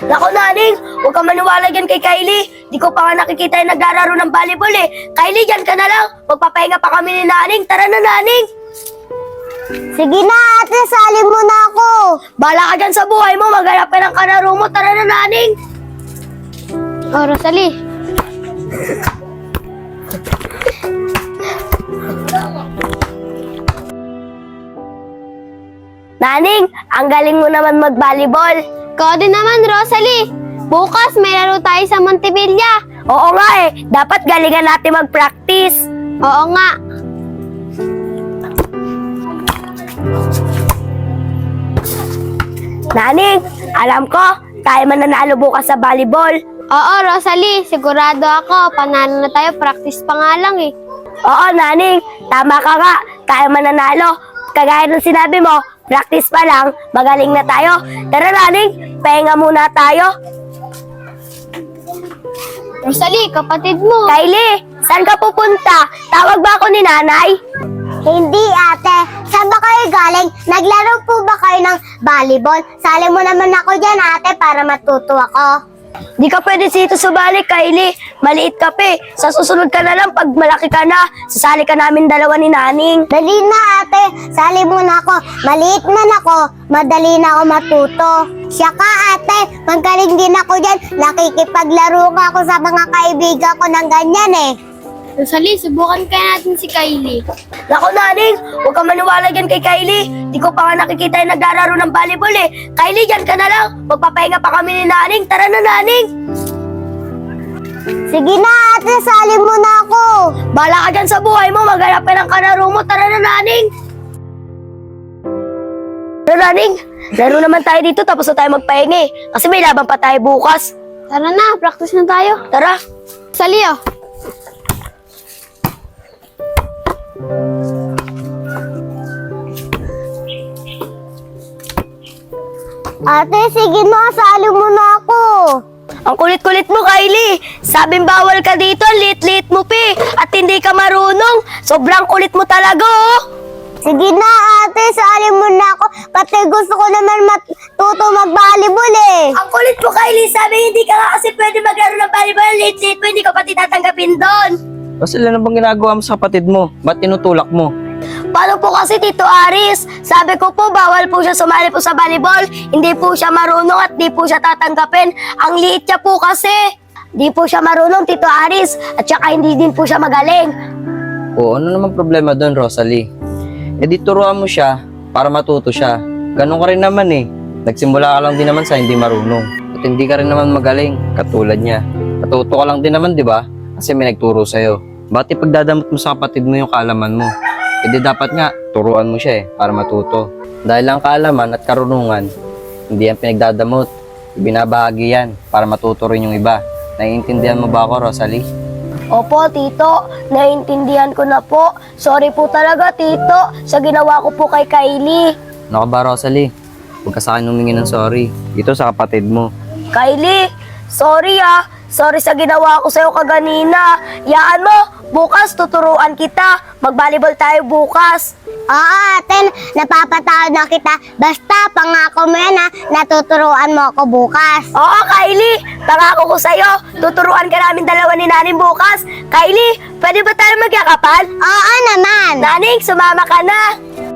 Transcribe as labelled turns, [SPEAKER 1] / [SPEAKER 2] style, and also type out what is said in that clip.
[SPEAKER 1] Naku, Naning, huwag ka maniwala dyan kay Kylie. Di ko pa nga nakikita yung naglalaro ng volleyball eh. Kylie, dyan ka na lang. Magpapahinga pa kami ni Naning. Tara na, Naning.
[SPEAKER 2] Sige na ate, salin mo na ako.
[SPEAKER 1] Bala ka dyan sa buhay mo. Maghanap ka ng kalaro mo. Tara na, Naning.
[SPEAKER 2] Oh, Rosalie.
[SPEAKER 1] Naning, ang galing mo naman mag-volleyball.
[SPEAKER 2] Ikaw din naman, Rosalie. Bukas may laro tayo sa Montevilla.
[SPEAKER 1] Oo nga eh. Dapat galingan natin mag-practice.
[SPEAKER 2] Oo nga.
[SPEAKER 1] Naning, alam ko, tayo mananalo bukas sa volleyball.
[SPEAKER 2] Oo, Rosalie. Sigurado ako. Panalo na tayo. Practice pa nga lang eh.
[SPEAKER 1] Oo, Naning, tama ka nga. Tayo mananalo. Kagaya ng sinabi mo, practice pa lang, magaling na tayo. Tara, Naning, pahinga muna tayo.
[SPEAKER 2] Rosalie, kapatid mo.
[SPEAKER 1] Kylie, saan ka pupunta? Tawag ba ako ni nanay?
[SPEAKER 2] Hindi ate. Saan ba kayo galing? Naglaro po ba kayo ng volleyball? Sali mo naman ako dyan ate para matuto ako.
[SPEAKER 1] Di ka pwede dito sumali, Kylie. Maliit ka pa eh. Sa susunod ka na lang pag malaki ka na. Sasali ka namin dalawa ni Naning.
[SPEAKER 2] Dali na ate. Sali mo na ako. Maliit man ako. Madali na ako matuto. Siya ka ate. Magaling din ako dyan. Nakikipaglaro ka ako sa mga kaibigan ko ng ganyan eh. Rosalie, subukan kaya natin si Kylie.
[SPEAKER 1] Naku, Naning, huwag ka maniwala dyan kay Kylie. Di ko pa nga nakikita yung naglalaro ng volleyball eh. Kylie, dyan ka na lang. Magpapahinga pa kami ni Naning. Tara na, Naning.
[SPEAKER 2] Sige na ate, sali mo na ako.
[SPEAKER 1] Bala ka dyan sa buhay mo. Maghanap ka ng kalaro mo. Tara na, Naning. Tara, Naning. Laro naman tayo dito tapos na tayo magpahinga eh. Kasi may laban pa tayo bukas.
[SPEAKER 2] Tara na, practice na tayo.
[SPEAKER 1] Tara.
[SPEAKER 2] Sali oh. Ate, sige na, sali mo na ako.
[SPEAKER 1] Ang kulit-kulit mo, Kylie. Sabing bawal ka dito, lit-lit mo pi. At hindi ka marunong. Sobrang kulit mo talaga, oh.
[SPEAKER 2] Sige na, ate, sali mo na ako. Kasi gusto ko naman matuto mag-volleyball eh.
[SPEAKER 1] Ang kulit mo, Kylie. Sabi hindi ka nga kasi pwede maglaro ng volleyball. Lit-lit mo, hindi ka pati tatanggapin doon.
[SPEAKER 3] Kasi ano bang ginagawa mo sa kapatid mo? Ba't tinutulak mo?
[SPEAKER 1] Paano po kasi, Tito Aris? Sabi ko po, bawal po siya sumali po sa volleyball. Hindi po siya marunong at di po siya tatanggapin. Ang liit niya po kasi. Di po siya marunong, Tito Aris. At saka hindi din po siya magaling.
[SPEAKER 3] O ano naman problema doon, Rosalie? E di turuan mo siya para matuto siya. Ganun ka rin naman eh. Nagsimula ka lang din naman sa hindi marunong. At hindi ka rin naman magaling, katulad niya. Natuto ka lang din naman, di ba? Kasi may nagturo sa'yo. Ba't ipagdadamot mo sa kapatid mo yung kaalaman mo? E di dapat nga, turuan mo siya eh, para matuto. Dahil lang kaalaman at karunungan, hindi yan pinagdadamot. Ibinabahagi yan para matuto rin yung iba. Naiintindihan mo ba ako, Rosalie?
[SPEAKER 1] Opo, Tito. Naiintindihan ko na po. Sorry po talaga, Tito, sa ginawa ko po kay Kylie.
[SPEAKER 3] Ano ka ba, Rosalie? Huwag ka sa akin humingi ng sorry. Dito sa kapatid mo.
[SPEAKER 1] Kylie, sorry ah. Sorry sa ginawa ko sa'yo kaganina. Yaan mo, bukas tuturuan kita. Mag-volleyball tayo bukas.
[SPEAKER 2] Oo ate, napapatawad na kita. Basta pangako mo yan ha, natuturuan mo ako bukas.
[SPEAKER 1] Oo, Kylie. Pangako ko sa'yo. Tuturuan ka namin dalawa ni Naning bukas. Kylie, pwede ba tayo magyakapan?
[SPEAKER 2] Oo naman.
[SPEAKER 1] Naning, sumama ka na.